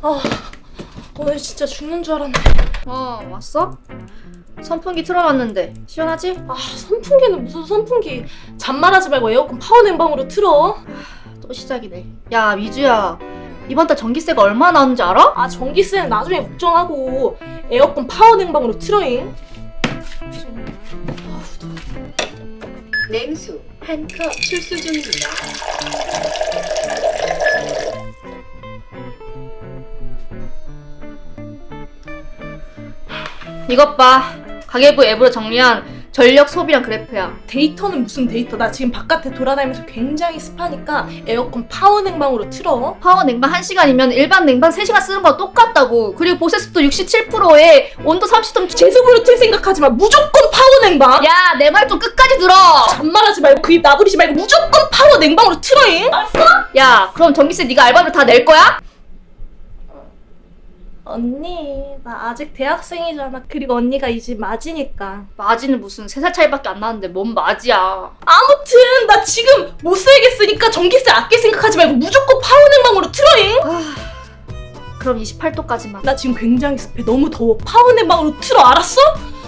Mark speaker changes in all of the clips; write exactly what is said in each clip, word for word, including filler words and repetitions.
Speaker 1: 아, 오늘 진짜 죽는 줄 알았네.
Speaker 2: 어, 왔어? 선풍기 틀어놨는데 시원하지?
Speaker 1: 아, 선풍기는 무슨 선풍기. 잔말하지 말고 에어컨 파워 냉방으로 틀어.
Speaker 2: 또 시작이네. 야, 미주야. 이번 달 전기세가 얼마 나오는지 알아?
Speaker 1: 아, 전기세는 나중에 걱정하고 에어컨 파워 냉방으로 틀어잉.
Speaker 3: 냉수 한 컵 출수 중입니다.
Speaker 2: 이것 봐. 가계부 앱으로 정리한 전력 소비량 그래프야.
Speaker 1: 데이터는 무슨 데이터. 나 지금 바깥에 돌아다니면서 굉장히 습하니까 에어컨 파워 냉방으로 틀어.
Speaker 2: 파워 냉방 한 시간이면 일반 냉방 세 시간 쓰는 거랑 똑같다고. 그리고 보세습도 육십칠 퍼센트에 온도 삼십 도
Speaker 1: 제습으로 틀 생각하지 마. 무조건 파워 냉방.
Speaker 2: 야, 내 말 좀 끝까지 들어.
Speaker 1: 잔말하지 말고 그 입 나부리지 말고 무조건 파워 냉방으로 틀어잉. 알았어?
Speaker 2: 야, 그럼 전기세 네가 알바비로 다 낼 거야?
Speaker 1: 언니, 나 아직 대학생이잖아. 그리고 언니가 이 집 맞이니까.
Speaker 2: 마지는 무슨 세 살 차이밖에 안 나는데 뭔 마지야.
Speaker 1: 아무튼 나 지금 못 살겠으니까 전기세 아낄 생각하지 말고 무조건 파워 냉방으로 틀어잉.
Speaker 2: 아, 그럼 이십팔 도까지만.
Speaker 1: 나 지금 굉장히 습해. 너무 더워. 파워 냉방으로 틀어. 알았어?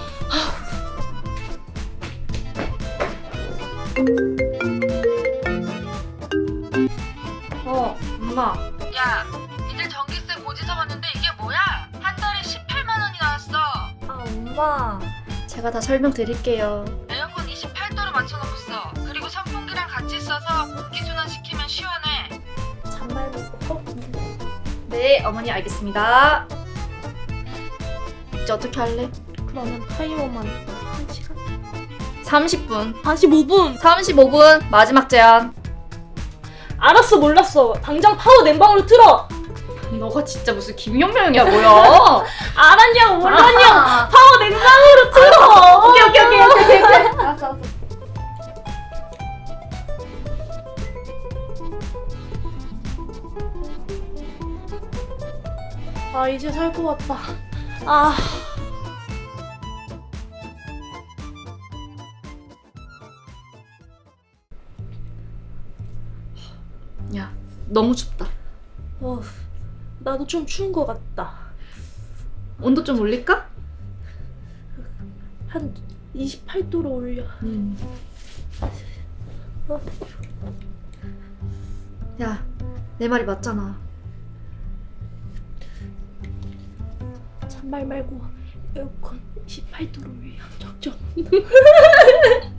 Speaker 2: 어, 엄마.
Speaker 4: 야, 이제 전기세 고지서 봤는데 이게 뭐야? 한 달에 십팔만 원이 나왔어.
Speaker 1: 아, 엄마.
Speaker 2: 제가 다 설명드릴게요.
Speaker 4: 에어컨 이십팔 도로 맞춰놓았어. 그리고 선풍기랑 같이 써서 공기순환 시키면 시원해.
Speaker 1: 잔말 먹고.
Speaker 2: 네, 어머니 알겠습니다. 이제 어떻게 할래?
Speaker 1: 그러면 타이머만 한 시간?
Speaker 2: 삼십 분.
Speaker 1: 사십오 분.
Speaker 2: 삼십오 분 마지막 제한.
Speaker 1: 알았어, 몰랐어. 당장 파워 냉방으로 틀어.
Speaker 2: 너가 진짜 무슨 김용명이야 뭐야?
Speaker 1: 알았냐고 몰랐냐고.
Speaker 2: 아.
Speaker 1: 파워 냉방으로 틀어.
Speaker 2: 오케이 오케이 오케이 오케이 오케이. 알았어 알았어.
Speaker 1: 아, 이제 살 것 같다. 아.
Speaker 2: 야, 너무 춥다.
Speaker 1: 어, 나도 좀 추운 것 같다.
Speaker 2: 온도 좀 올릴까?
Speaker 1: 한 이십팔 도로 올려.
Speaker 2: 음.
Speaker 1: 어.
Speaker 2: 야, 내 말이 맞잖아.
Speaker 1: 잔말 말고 에어컨 이십팔 도로 올려. 적정.